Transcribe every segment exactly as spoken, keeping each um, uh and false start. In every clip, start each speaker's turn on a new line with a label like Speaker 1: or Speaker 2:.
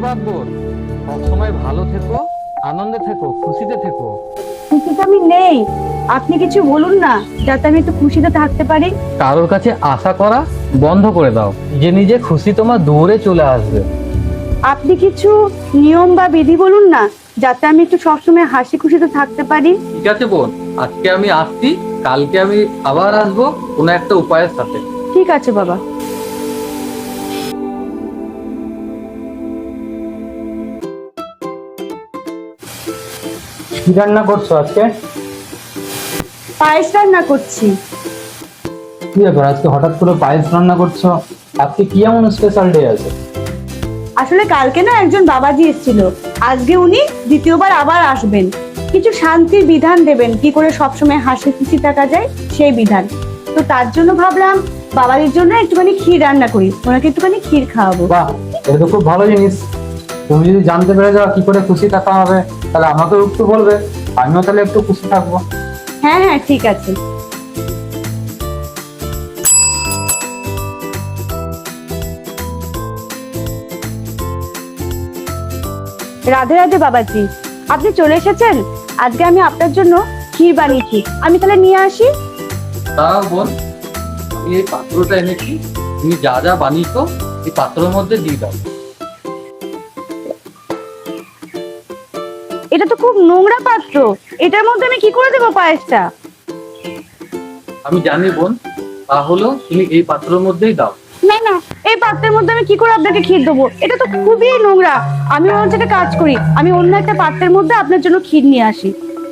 Speaker 1: ধন্যবাদ বোন, সবসময় ভালো থেকো, আনন্দে থেকো, খুশিতে থেকো।
Speaker 2: খুশিতে আমি নেই, আপনি কিছু বলুন না যাতে আমি একটু খুশিতে থাকতে পারি।
Speaker 1: কারোর কাছে আশা করা বন্ধ করে দাও, নিজে নিজে খুশি তোমার দৌড়ে চলে আসবে।
Speaker 2: আপনি কিছু নিয়ম বা বিধি বলুন না যাতে আমি একটু সবসময় হাসি খুশিতে থাকতে পারি।
Speaker 1: ঠিক আছে বোন, আজকে আমি আসছি, কালকে আমি আবার আসবো কোনো একটা উপায়ের সাথে।
Speaker 2: ঠিক আছে বাবা।
Speaker 3: কি রান্না করছো আজকে?
Speaker 2: পায়েস রান্না করছি।
Speaker 3: কি ব্যাপার, আজকে হঠাৎ করে পায়েস রান্না করছো? আজকে কি এমন স্পেশাল ডে আছে?
Speaker 2: আসলে কালকে না একজন বাবাজি এসেছিল, আজকে উনি দ্বিতীয়বার আবার আসবেন। কিছু শান্তির বিধান দেবেন, কি করে সবসময় হাসি খুশি থাকা যায় সেই বিধান। তো তার জন্য ভাবলাম বাবাজির জন্য একটুখানি ক্ষীর রান্না করি, ওনাকে একটুখানি ক্ষীর খাওয়াবো।
Speaker 3: বাহ, এটা তো খুব ভালো জিনিস। তুমি যদি জানতে পেরে যাও কি করে খুশি থাকা হবে, তাহলে আমাকেও একটু বলবে, আমিও তাহলে একটু খুশি থাকবো।
Speaker 2: হ্যাঁ হ্যাঁ ঠিক আছে। রাধে রাধে বাবাজি, আপনি চলে এসেছেন। আজকে আমি আপনার জন্য ক্ষীর বানিয়েছি, আমি তাহলে নিয়ে আসি।
Speaker 1: দাঁড়াও বোন, আমি এই পাত্রটা এনেছি, তুমি যা যা বানিয়েছো এই পাত্রের মধ্যে দিয়ে দাও।
Speaker 2: এটা তো খুব নোংরা পাত্র, এটার মধ্যে আমি কি করে দেবো পায়েসটা?
Speaker 1: আমি জানি বোন, তাহলে তুমি এই পাত্রের মধ্যেই দাও।
Speaker 2: না না, এই পাত্রের মধ্যে আমি কি করে আপনাকে ক্ষীর দেবো? এটা তো খুবই নোংরা। আমি ওর একটা কাজ করি, আমি অন্য একটা পাত্রের মধ্যে আপনার জন্য ক্ষীর নিয়ে আসি।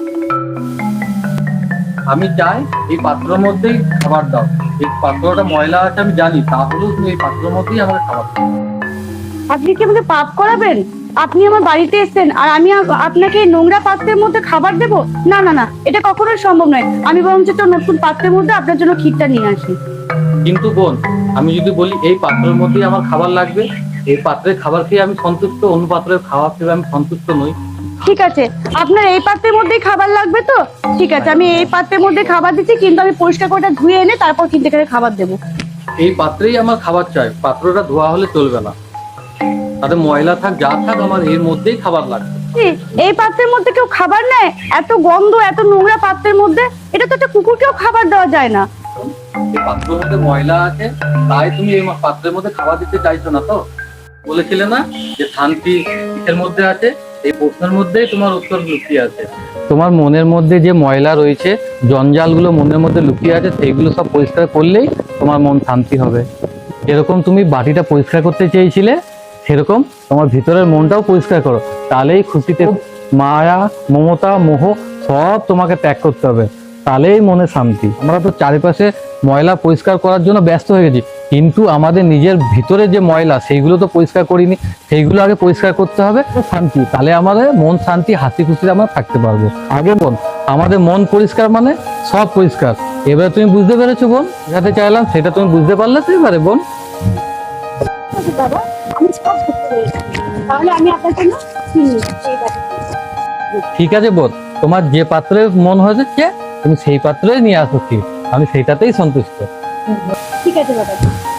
Speaker 1: আমি চাই এই পাত্রের মধ্যেই খাবার দাও। এই পাত্রটা ময়লা আছে আমি জানি, তাহলেও তুমি এই পাত্রের মধ্যেই আমাকে খাবার দাও।
Speaker 2: আপনি কি আমাকে পাপ করাবেন? আপনি আমার বাড়িতে এসেছেন আর আমি আপ- আপনাকে এই নোংরা পাত্রের মধ্যে খাবার দেবো? না না না, এটা কখনোই সম্ভব নয়। আমি বরঞ্চ একটা নতুন পাত্রের মধ্যে আপনার জন্য ক্ষীরটা নিয়ে আসি।
Speaker 1: কিন্তু বোন, আমি যদি বলি এই পাত্রের মধ্যেই আমার খাবার লাগবে, এই পাত্রের খাবার খেয়ে আমি সন্তুষ্ট, অন্য পাত্রের খাবার খেয়ে আমি সন্তুষ্ট নই।
Speaker 2: ঠিক আছে, আপনার এই পাত্রের মধ্যেই খাবার লাগবে তো? ঠিক আছে, আমি এই পাত্রের মধ্যে খাবার দিচ্ছি, কিন্তু আমি পরিষ্কার করে ওটা ধুয়ে এনে তারপর কিন্তু এখানে খাবার দেবো।
Speaker 1: এই পাত্রেই আমার খাবার চাই, পাত্রটা ধোয়া হলে চলবে না। তাতে ময়লা থাক যা থাক, আমার এর মধ্যেই খাবার লাগবে।
Speaker 2: কি, এই পাত্রের মধ্যে কেউ খাবার নেয়? এত গন্ধ, এত নোংরা পাত্রের মধ্যে, এটা তো একটা কুকুরকেও খাবার দেওয়া যায় না।
Speaker 1: এই পাত্রের মধ্যে ময়লা আছে, তাই তুমি এই পাত্রের মধ্যে খাবার দিতে চাইছো না তো? বলেছিলে না যে শান্তি কিসের মধ্যে আছে? এই প্রশ্নের মধ্যেই তোমার উত্তর লুকিয়ে আছে। তোমার মনের মধ্যে যে ময়লা রয়েছে, জঞ্জালগুলো মনের মধ্যে লুকিয়ে আছে, সেইগুলো সব পরিষ্কার করলেই তোমার মন শান্তি হবে। যেরকম তুমি বাটিটা পরিষ্কার করতে চেয়েছিলে, সেরকম তোমার ভিতরের মনটাও পরিষ্কার করো, তাহলেই খুশিতে মায়া, মমতা, মোহ সব তোমাকে ত্যাগ করতে হবে, তাহলেই মনে শান্তি। আমরা তো চারিপাশে ময়লা পরিষ্কার করার জন্য ব্যস্ত হয়ে গেছি, কিন্তু আমাদের নিজের ভিতরে যে ময়লা সেইগুলো তো পরিষ্কার করিনি, সেইগুলো আগে পরিষ্কার করতে হবে, শান্তি, তাহলে আমাদের মন শান্তি, হাসি খুশিতে আমরা থাকতে পারবো। আগে বোন, আমাদের মন পরিষ্কার মানে সব পরিষ্কার। এবারে তুমি বুঝতে পেরেছো বোন, যেটা চাইলাম সেটা তুমি বুঝতে পারলে তো এবারে বোন?
Speaker 2: বাবা, আমি সব করতে পেরেছি, তাহলে আমি আপনার জন্য ক্ষীর নিয়ে আসছি এই বাটিতে।
Speaker 1: ঠিক আছে বোন, তোমার যে পাত্রে মন হয়েছে তুমি সেই পাত্রে নিয়ে আসো, ঠিক, আমি সেইটাতেই সন্তুষ্ট।
Speaker 2: ঠিক আছে বাবা।